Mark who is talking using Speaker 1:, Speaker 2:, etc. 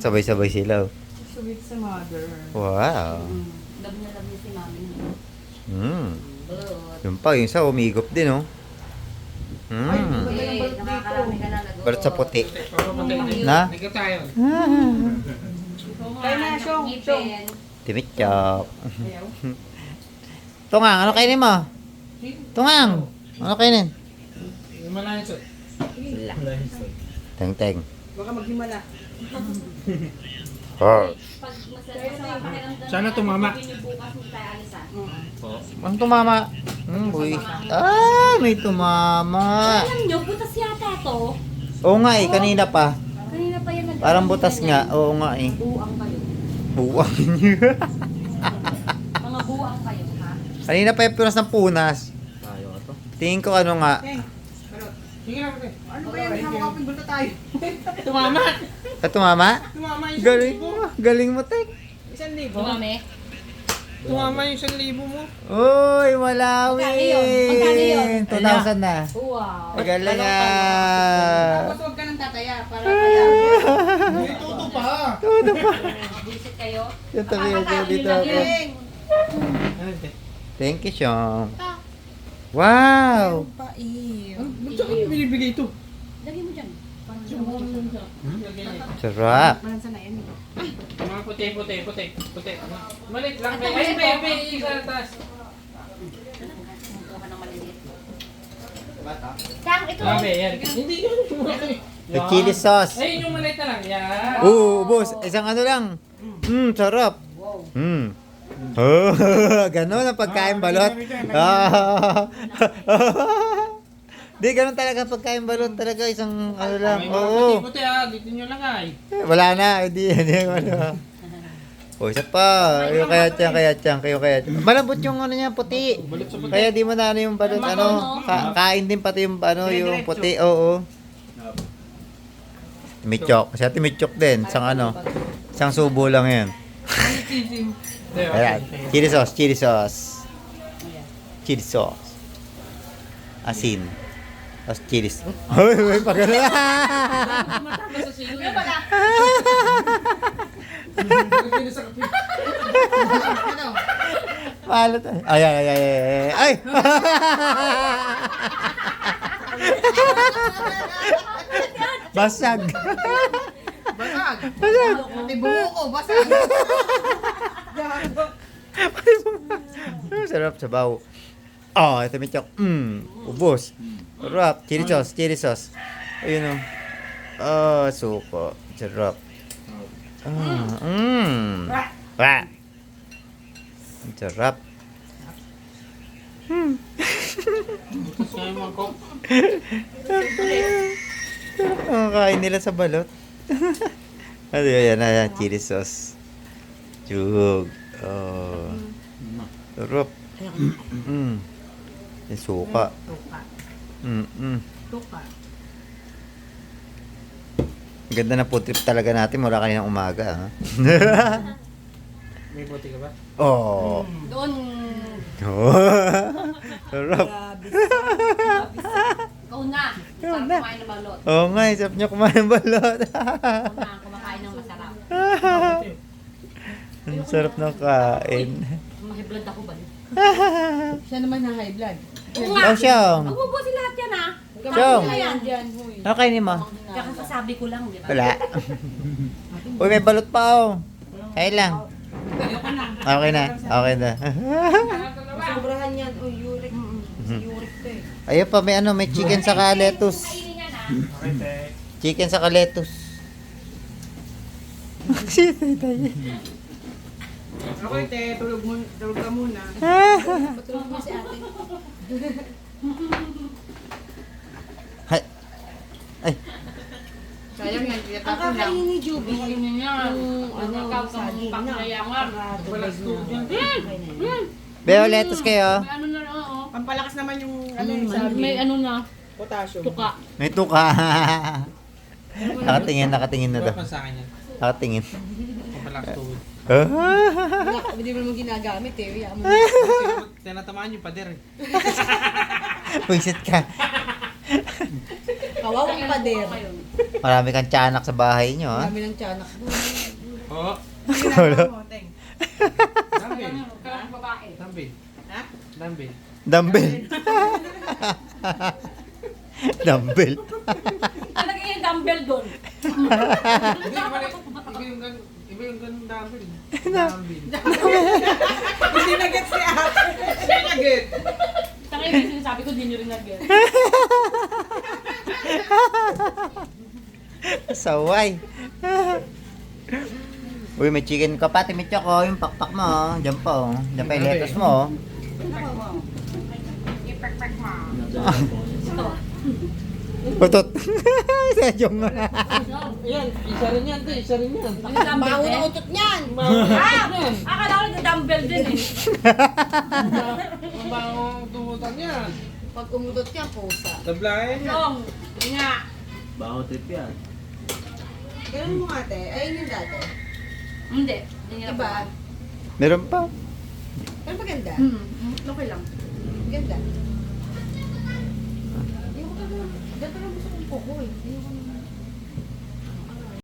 Speaker 1: Sabay-sabay sila. Oh.
Speaker 2: Sweet sa mother.
Speaker 1: Wow.
Speaker 3: Love niya si mami niya. Balot.
Speaker 1: Yung pa, yung isa umigop din, oh.
Speaker 2: Ay,
Speaker 3: Okay, nakakarami ka na.
Speaker 1: Balot sa puti.
Speaker 4: Na?
Speaker 1: Na?
Speaker 4: Hindi tayo.
Speaker 2: Kaya na, Shong, Shong.
Speaker 1: Timichok.
Speaker 2: Ayaw.
Speaker 1: Tungang, ano kainin mo? Tungang, ano kainin?
Speaker 4: Malayo sa.
Speaker 1: Teng-teng.
Speaker 2: Baka maghimala.
Speaker 1: Oh.
Speaker 3: Pag masarap pakiramdam
Speaker 4: Sana tumama.
Speaker 3: bukas mo tayo alisan.
Speaker 1: Ang tumama? Boy. Ah, may tumama.
Speaker 3: Alam nyo, butas yata to.
Speaker 1: Oo nga eh, kanina pa.
Speaker 3: Kanina pa yan.
Speaker 1: Parang butas nga. Oo nga eh.
Speaker 3: Buang kayo.
Speaker 1: Buwang niya.
Speaker 3: Mga buang kayo, ha?
Speaker 1: Kanina pa yung punas ng punas. Tingin ko ano nga.
Speaker 2: Teng, balot.
Speaker 4: Sige lang.
Speaker 2: Ano ba yan? Hamakapin bulto tayo.
Speaker 4: Tumama.
Speaker 1: Tumama?
Speaker 4: Tumama yung
Speaker 1: Galing mo. Galing mo, Tek.
Speaker 2: 1,000.
Speaker 3: Mami?
Speaker 4: Tumama yung 1,000 mo.
Speaker 1: Uy, Malawi.
Speaker 3: Magkano yun?
Speaker 1: 2,000 na.
Speaker 3: Wow.
Speaker 1: Magaling
Speaker 2: Tapos huwag ka nang tataya para kaya.
Speaker 4: Hindi tuto pa.
Speaker 3: Visit kayo.
Speaker 1: Yung tabi ako dito ako.
Speaker 2: Teng.
Speaker 1: Thank you, Sean. Wow.
Speaker 2: Paiw.
Speaker 4: Ba't saan yung binibigay ito?
Speaker 3: Lagay mo dyan.
Speaker 1: Sarap.
Speaker 2: Malansa na yan.
Speaker 4: Mga puti. Malit lang. Ay, bebe. Isa na taas.
Speaker 3: Kumuha ng maliliit. Tang, ito.
Speaker 4: Grabe, yan. Hindi yun.
Speaker 1: The chili sauce.
Speaker 4: Ay, yung maliit na lang. Yan.
Speaker 1: Oo, boss. Isang ano lang. Sarap. Oh, ganun ang pagkain balot. Di, ganun talaga pagkain balot talaga. Isang ano lang.
Speaker 4: May mga
Speaker 1: Oo.
Speaker 4: puti dito nyo lang ay.
Speaker 1: Wala na. Hindi ano. O, isa pa. Kayo kaya tiyan. Malambot yung ano niya, puti.
Speaker 4: Balot sa puti.
Speaker 1: Kaya di mo na ano yung balot. Ano, kain din pati yung ano, yung puti. Oo. Timichok. Siya timichok din. Isang subo lang yan. Ayan. Chili sauce. Asin. Tapos chili sauce. Uy, pag ano na.
Speaker 4: Matatas sa silo yan.
Speaker 1: Malot. Ay. Ay! Basag.
Speaker 2: Basag. Pati buho ko, basag.
Speaker 1: Sarap sa bawo. Oh, ito may chok. Ubos. Sarap. Chili sauce. Ayun o. Suko. Sarap. Wah. Sarap.
Speaker 4: Kaya mga kok.
Speaker 1: Sarap ang kain nila sa balot. Ano yan, chili sauce. Jug. Oh. Sarap. Yung suka.
Speaker 2: Tuka.
Speaker 1: Ganda na food trip talaga natin mula kaninang umaga. Ha?
Speaker 4: May puti ka ba?
Speaker 1: Oh.
Speaker 3: Doon.
Speaker 1: Sarap.
Speaker 3: Ikaw na. Sarap kumain ng balot.
Speaker 1: Oo nga, sarap niya kumain ng balot.
Speaker 3: Ikaw na kumakain ng masarap.
Speaker 1: Ang sarap ng kain.
Speaker 3: Mahiblad ako ba?
Speaker 2: Siya naman na high blood.
Speaker 1: Oh, Siyong.
Speaker 3: Magbubusin lahat yan, ha?
Speaker 1: Siyong.
Speaker 3: Ayan.
Speaker 1: Ano kainin mo?
Speaker 3: Kakasabi ko lang, di ba?
Speaker 1: Wala. Uy, may balot pa oh. Kain lang. Okay na.
Speaker 2: Sobrahan yan. O, uric. Uric to eh.
Speaker 1: Ayun pa, may chicken sa lettuce.
Speaker 3: Kainin yan, ha?
Speaker 4: Okay, te.
Speaker 1: Chicken sa lettuce.
Speaker 2: Okay, te. Tulog ka muna.
Speaker 3: Patulog mo si ate.
Speaker 1: Ay,
Speaker 2: Sayang yan.
Speaker 3: Ang
Speaker 2: Tinatapon lang.
Speaker 3: kakainin ni Juby.
Speaker 4: Kainin niya.
Speaker 3: Ano, saging na.
Speaker 4: Balas to dyan.
Speaker 1: Beo, lettuce kayo.
Speaker 3: May ano na, oo.
Speaker 2: Pampalakas naman yung ano yung sabi.
Speaker 3: May ano na,
Speaker 2: Potassium.
Speaker 3: tuka.
Speaker 1: May tuka. Nakatingin na daw.
Speaker 4: Ba't sa akin yan?
Speaker 1: Nakatingin.
Speaker 4: Papalakas tuhod.
Speaker 2: Hindi mo naman ginagamit eh. Iyan mo.
Speaker 4: Tinatamaan yung pader eh.
Speaker 1: Pwisit ka.
Speaker 2: Kawawang pader.
Speaker 3: Kayo.
Speaker 1: Marami kang tiyanak sa bahay nyo, ha?
Speaker 2: Dami ng tiyanak mo.
Speaker 4: Oo.
Speaker 1: Wala.
Speaker 4: Dumbbell.
Speaker 3: Kailangan babae.
Speaker 4: Dumbbell.
Speaker 2: Ha?
Speaker 4: Dumbbell.
Speaker 1: Dumbbell. Dumbbell.
Speaker 3: Talaga yung dumbbell doon.
Speaker 4: Hindi, mali. Iba yung ganun dumbbell. Dumbbell.
Speaker 2: Hindi na gets si ate.
Speaker 4: Nugget.
Speaker 3: Tangay yung sinasabi ko, di nyo rin nag-get.
Speaker 1: Saway. Uy, may chicken ka pa, Timit Choco. Yung pakpak mo, oh. Diyan pa, oh. Diyan pa yung lettuce mo, oh.
Speaker 3: Ito.
Speaker 1: Utot. Sadyong nga.
Speaker 4: Yan, isa rin yan, te. Isa rin yan.
Speaker 3: Yung dumbbell
Speaker 2: Baho
Speaker 3: din.
Speaker 2: na utot niyan.
Speaker 3: Ah! Akala ko nag-dumbbell din eh.
Speaker 4: Mabangong tumutan yan.
Speaker 2: Pag umutot yan, pusa.
Speaker 4: Tablayan yan.
Speaker 3: Long. Yun nga.
Speaker 5: Baho trip yan.
Speaker 2: Ganun mo ate. Ayun yung dati.
Speaker 3: Hindi. Hindi nila
Speaker 2: Diba?
Speaker 1: Meron pa.
Speaker 2: Pero maganda.
Speaker 3: Okay lang.
Speaker 2: Maganda. Ayoko talaga. Ganito lang gusto kong kuko eh. Ayoko naman.